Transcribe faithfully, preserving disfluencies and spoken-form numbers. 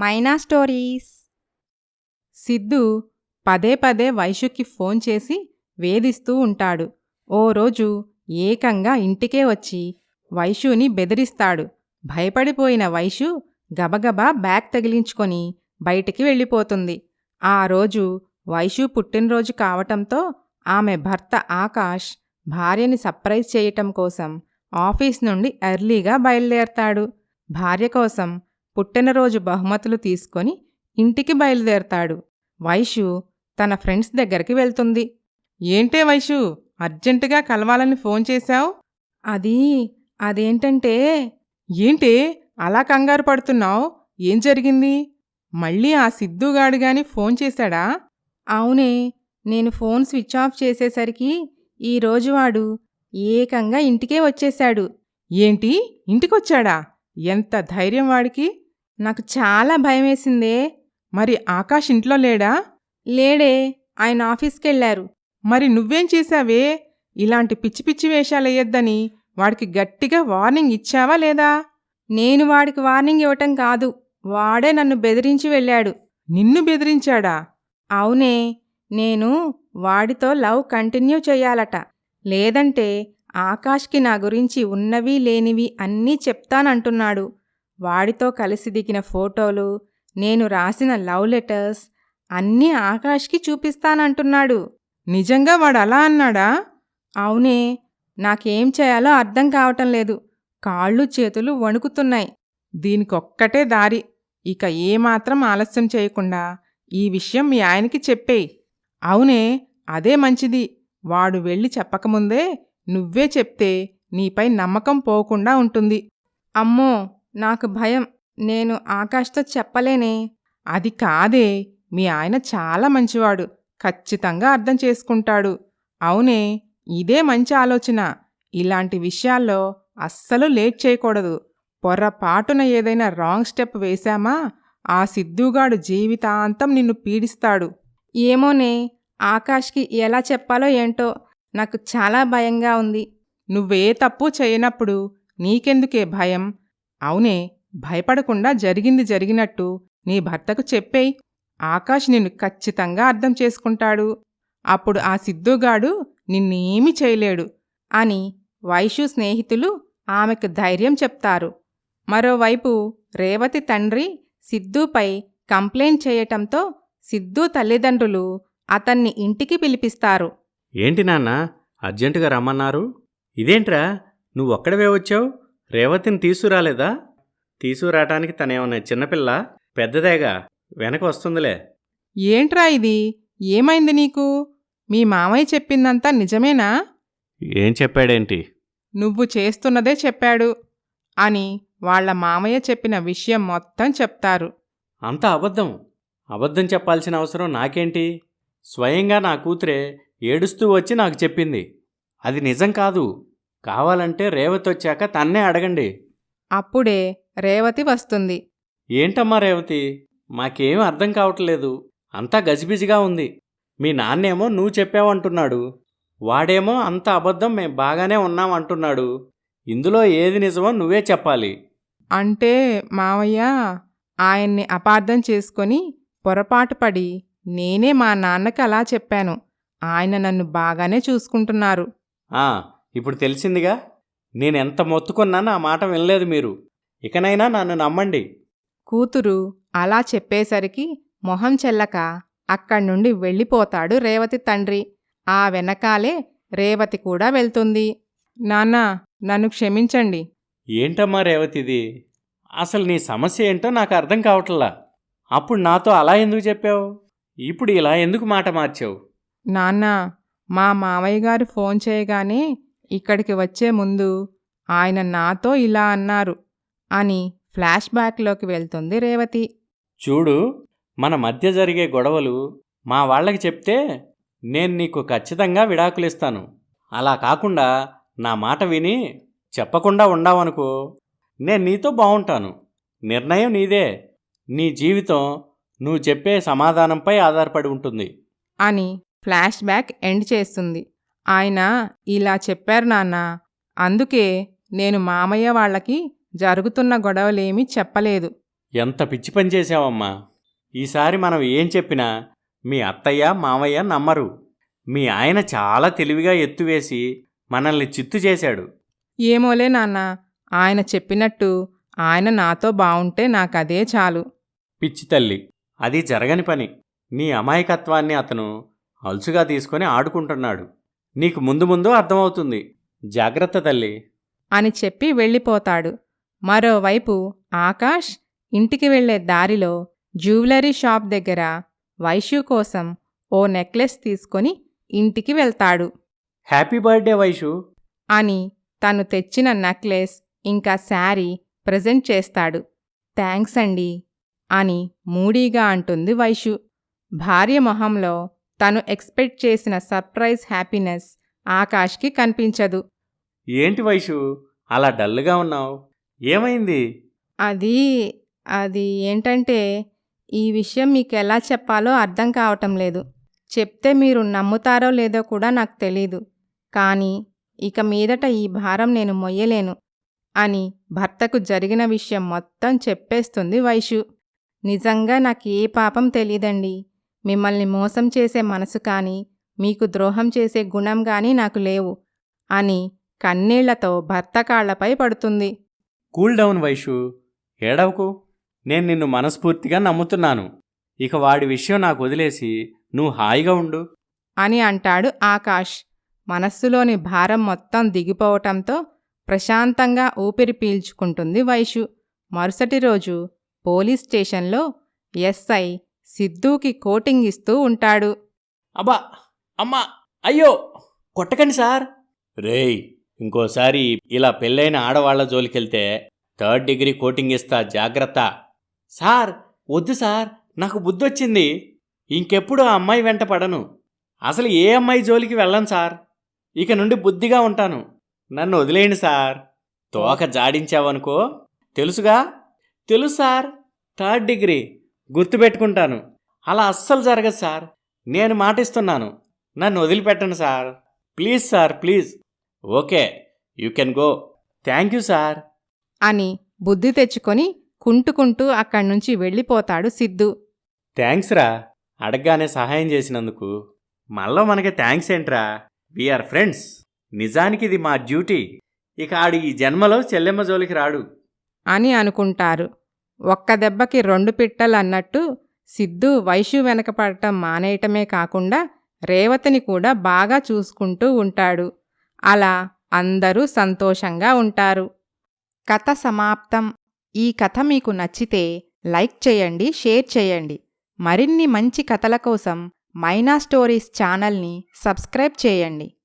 మైనా stories. Siddhu పదే పదే వైషుకి phone చేసి వేధిస్తూ ఉంటాడు. ఓ రోజు ఏకంగా ఇంటికే వచ్చి వైషుని బెదిరిస్తాడు. భయపడిపోయిన వైషు గబగబా బ్యాగ్ తగిలించుకొని బయటికి వెళ్ళిపోతుంది. ఆ రోజు వైషు పుట్టినరోజు కావటంతో ఆమె భర్త ఆకాష్ భార్యని సర్ప్రైజ్ చేయటం కోసం ఆఫీస్ నుండి ఎర్లీగా బయలుదేరతాడు. భార్య కోసం పుట్టినరోజు బహుమతులు తీసుకొని ఇంటికి బయలుదేరతాడు. వైషు తన ఫ్రెండ్స్ దగ్గరికి వెళ్తుంది. ఏంటే వైషు, అర్జెంటుగా కలవాలని ఫోన్ చేశావు? అది అదేంటంటే. ఏంటే అలా కంగారు పడుతున్నావు? ఏం జరిగింది? మళ్ళీ ఆ సిద్ధుగాడిగాని ఫోన్ చేశాడా? అవునే, నేను ఫోన్ స్విచ్ ఆఫ్ చేసేసరికి ఈరోజు వాడు ఏకంగా ఇంటికే వచ్చేశాడు. ఏంటి, ఇంటికొచ్చాడా? ఎంత ధైర్యం వాడికి! నాకు చాలా భయమేసిందే. మరి ఆకాష్ ఇంట్లో లేడా? లేడే, ఆయన ఆఫీస్కెళ్లారు. మరి నువ్వేం చేశావే? ఇలాంటి పిచ్చి పిచ్చి వేషాలెయ్యొద్దని వాడికి గట్టిగా వార్నింగ్ ఇచ్చావా లేదా? నేను వాడికి వార్నింగ్ ఇవ్వటం కాదు, వాడే నన్ను బెదిరించి వెళ్ళాడు. నిన్ను బెదిరించాడా? అవునే, నేను వాడితో లవ్ కంటిన్యూ చెయ్యాలట. లేదంటే ఆకాష్కి నా గురించి ఉన్నవి లేనివి అన్నీ చెప్తానంటున్నాడు. వాడితో కలిసి దిగిన ఫోటోలు, నేను రాసిన లవ్ లెటర్స్ అన్నీ ఆకాష్కి చూపిస్తానంటున్నాడు. నిజంగా వాడు అలా అన్నాడా? అవునే, నాకేం చేయాలో అర్థం కావటం లేదు. కాళ్ళు చేతులు వణుకుతున్నాయి. దీనికొక్కటే దారి. ఇక ఏమాత్రం ఆలస్యం చేయకుండా ఈ విషయం మీ ఆయనకి చెప్పేయ్. అవునే, అదే మంచిది. వాడు వెళ్ళి చెప్పకముందే నువ్వే చెప్తే నీపై నమ్మకం పోకుండా ఉంటుంది. అమ్మో, నాకు భయం. నేను ఆకాష్తో చెప్పలేనే. అది కాదే, మీ ఆయన చాలా మంచివాడు. ఖచ్చితంగా అర్థం చేసుకుంటాడు. అవునే, ఇదే మంచి ఆలోచన. ఇలాంటి విషయాల్లో అస్సలు లేట్ చేయకూడదు. పొరపాటున ఏదైనా రాంగ్ స్టెప్ వేశామా ఆ సిద్ధుగాడు జీవితాంతం నిన్ను పీడిస్తాడు. ఏమోనే, ఆకాష్కి ఎలా చెప్పాలో ఏంటో నాకు చాలా భయంగా ఉంది. నువ్వే తప్పు చేయనప్పుడు నీకెందుకే భయం? అవునే, భయపడకుండా జరిగింది జరిగినట్టు నీ భర్తకు చెప్పేయ్. ఆకాష్ నిన్ను ఖచ్చితంగా అర్థం చేసుకుంటాడు. అప్పుడు ఆ సిద్ధుగాడు నిన్నేమీ చేయలేడు అని వైషు స్నేహితులు ఆమెకు ధైర్యం చెప్తారు. మరోవైపు రేవతి తండ్రి సిద్ధుపై కంప్లైంట్ చేయటంతో సిద్ధు తల్లిదండ్రులు అతన్ని ఇంటికి పిలిపిస్తారు. ఏంటి నాన్న, అర్జెంటుగా రమ్మన్నారు? ఇదేంట్రా, నువ్వొక్కడవే వచ్చావు? రేవతిని తీసుకురాలేదా? తీసుకురావటానికి తనేమన్నా చిన్నపిల్ల? పెద్దదేగా, వెనక వస్తుందిలే. ఏంట్రా ఇది? ఏమైంది నీకు? మీ మామయ్య చెప్పిందంతా నిజమేనా? ఏం చెప్పాడేంటి? నువ్వు చేస్తున్నదే చెప్పాడు అని వాళ్ల మామయ్య చెప్పిన విషయం మొత్తం చెప్తారు. అంతా అబద్ధం. అబద్ధం చెప్పాల్సిన అవసరం నాకేంటి? స్వయంగా నా కూతురే ఏడుస్తూ వచ్చి నాకు చెప్పింది. అది నిజం కాదు. కావాలంటే రేవతి వచ్చాక తన్నే అడగండి. అప్పుడే రేవతి వస్తుంది. ఏంటమ్మా రేవతి, మాకేం అర్థం కావట్లేదు. అంతా గజిబిజిగా ఉంది. మీ నాన్నేమో నువ్వు చెప్పావంటున్నాడు, వాడేమో అంత అబద్ధం మేం బాగానే ఉన్నాం అంటున్నాడు. ఇందులో ఏది నిజమో నువ్వే చెప్పాలి. అంటే మావయ్య, ఆయన్ని అపార్థం చేసుకొని పొరపాటుపడి నేనే మా నాన్నకి అలా చెప్పాను. ఆయన నన్ను బాగానే చూసుకుంటున్నారు. ఆ, ఇప్పుడు తెలిసిందిగా. నేనెంత మొత్తుకున్నా నా మాట వినలేదు మీరు. ఇకనైనా నన్ను నమ్మండి. కూతురు అలా చెప్పేసరికి మొహం చెల్లక అక్కడ్నుండి వెళ్ళిపోతాడు రేవతి తండ్రి. ఆ వెనకాలే రేవతి కూడా వెళ్తుంది. నాన్నా, నన్ను క్షమించండి. ఏంటమ్మా రేవతిది? అసలు నీ సమస్య ఏంటో నాకు అర్థం కావట్లా. అప్పుడు నాతో అలా ఎందుకు చెప్పావు? ఇప్పుడు ఇలా ఎందుకు మాట మార్చావు? నాన్నా, మా మామయ్య గారు ఫోన్ చేయగానే ఇక్కడికి వచ్చే ముందు ఆయన నాతో ఇలా అన్నారు అని ఫ్లాష్ బ్యాక్లోకి వెళ్తుంది రేవతి. చూడు, మన మధ్య జరిగే గొడవలు మా వాళ్ళకి చెప్తే నేను నీకు ఖచ్చితంగా విడాకులిస్తాను. అలా కాకుండా నా మాట విని చెప్పకుండా ఉండావనుకో, నేను నీతో బాగుంటాను. నిర్ణయం నీదే. నీ జీవితం నువ్వు చెప్పే సమాధానంపై ఆధారపడి ఉంటుంది అని ఫ్లాష్ బ్యాక్ ఎండ్ చేస్తుంది. ఆయన ఇలా చెప్పారు నాన్న, అందుకే నేను మామయ్య వాళ్ళకి జరుగుతున్న గొడవలేమీ చెప్పలేదు. ఎంత పిచ్చి పని చేశావమ్మా. ఈసారి మనం ఏం చెప్పినా మీ అత్తయ్య మావయ్య నమ్మరు. మీ ఆయన చాలా తెలివిగా ఎత్తువేసి మనల్ని చిత్తు చేశాడు. ఏమోలే నాన్న, ఆయన చెప్పినట్టు ఆయన నాతో బావుంటే నాకదే చాలు. పిచ్చి తల్లి, అది జరగని పని. నీ అమాయకత్వాన్ని అతను అలుసుగా తీసుకొని ఆడుకుంటున్నాడు. నీకు ముందు ముందు అర్థమవుతుంది. జాగ్రత్త తల్లి అని చెప్పి వెళ్ళిపోతాడు. మరోవైపు ఆకాష్ ఇంటికి వెళ్లే దారిలో జ్యువెలరీ షాప్ దగ్గర వైషు కోసం ఓ నెక్లెస్ తీసుకొని ఇంటికి వెళ్తాడు. హ్యాపీ బర్త్డే వైషు అని తను తెచ్చిన నెక్లెస్ ఇంకా శారీ ప్రెజెంట్ చేస్తాడు. థ్యాంక్స్ అండి అని మూడీగా అంటుంది వైషు. భార్య మొహంలో తను ఎక్స్పెక్ట్ చేసిన సర్ప్రైజ్ హ్యాపీనెస్ ఆకాష్కి కనిపించదు. ఏంటి వైషు అలా డల్గా ఉన్నావు? ఏమైంది? అది అది ఏంటంటే ఈ విషయం మీకెలా చెప్పాలో అర్థం కావటం లేదు. చెప్తే మీరు నమ్ముతారో లేదో కూడా నాకు తెలీదు. కానీ ఇక మీదట ఈ భారం నేను మొయ్యలేను అని భర్తకు జరిగిన విషయం మొత్తం చెప్పేస్తుంది వైషు. నిజంగా నాకు ఏ పాపం తెలీదండి. మిమ్మల్ని మోసం చేసే మనసు కానీ మీకు ద్రోహం చేసే గుణం కానీ నాకు లేవు అని కన్నీళ్లతో భర్త కాళ్లపై పడుతుంది. కూల్ డౌన్ వైషు, ఏడవకు. నేను నిన్ను మనస్ఫూర్తిగా నమ్ముతున్నాను. ఇక వాడి విషయం నాకు వదిలేసి నువ్వు హాయిగా ఉండు అని అంటాడు ఆకాష్. మనస్సులోని భారం మొత్తం దిగిపోవటంతో ప్రశాంతంగా ఊపిరి పీల్చుకుంటుంది వైషు. మరుసటి రోజు పోలీస్ స్టేషన్లో ఎస్ఐ సిద్ధూకి కోటింగ్ ఇస్తూ ఉంటాడు. అబ్బా, అమ్మా, అయ్యో, కొట్టకండి సార్. రేయ్, ఇంకోసారి ఇలా పెళ్ళైన ఆడవాళ్ల జోలికెళ్తే థర్డ్ డిగ్రీ కోటింగ్ ఇస్తా, జాగ్రత్త. సార్ వద్దు సార్, నాకు బుద్ధొచ్చింది. ఇంకెప్పుడు ఆ అమ్మాయి వెంట పడను. అసలు ఏ అమ్మాయి జోలికి వెళ్ళను సార్. ఇక నుండి బుద్ధిగా ఉంటాను. నన్ను వదిలేయండి సార్. తోక జాడించావనుకో, తెలుసుగా? తెలుసు సార్, థర్డ్ డిగ్రీ గుర్తుపెట్టుకుంటాను. అలా అస్సలు జరగదు సార్. నేను మాటిస్తున్నాను. నన్ను వదిలిపెట్టండి sir. Please sir, please. Okay, you can go. Thank you sir అని బుద్ధి తెచ్చుకొని కుంటుకుంటూ అక్కడ్నుంచి వెళ్ళిపోతాడు సిద్ధు. థ్యాంక్స్ రా, అడగగానే సహాయం చేసినందుకు. మళ్ళా మనకి థ్యాంక్స్ ఏంట్రా? We are friends. నిజానికి ఇది మా డ్యూటీ. ఇక ఆడు ఈ జన్మలో చెల్లెమ్మ జోలికి రాడు అని అనుకుంటారు. ఒక్క దెబ్బకి రెండు పిట్టలన్నట్టు సిద్ధు వైషు వెనకపడటం మానేయటమే కాకుండా రేవతిని కూడా బాగా చూసుకుంటూ ఉంటాడు. అలా అందరూ సంతోషంగా ఉంటారు. కథ సమాప్తం. ఈ కథ మీకు నచ్చితే లైక్ చేయండి, షేర్ చేయండి. మరిన్ని మంచి కథల కోసం మైనా స్టోరీస్ ఛానల్ని సబ్స్క్రైబ్ చేయండి.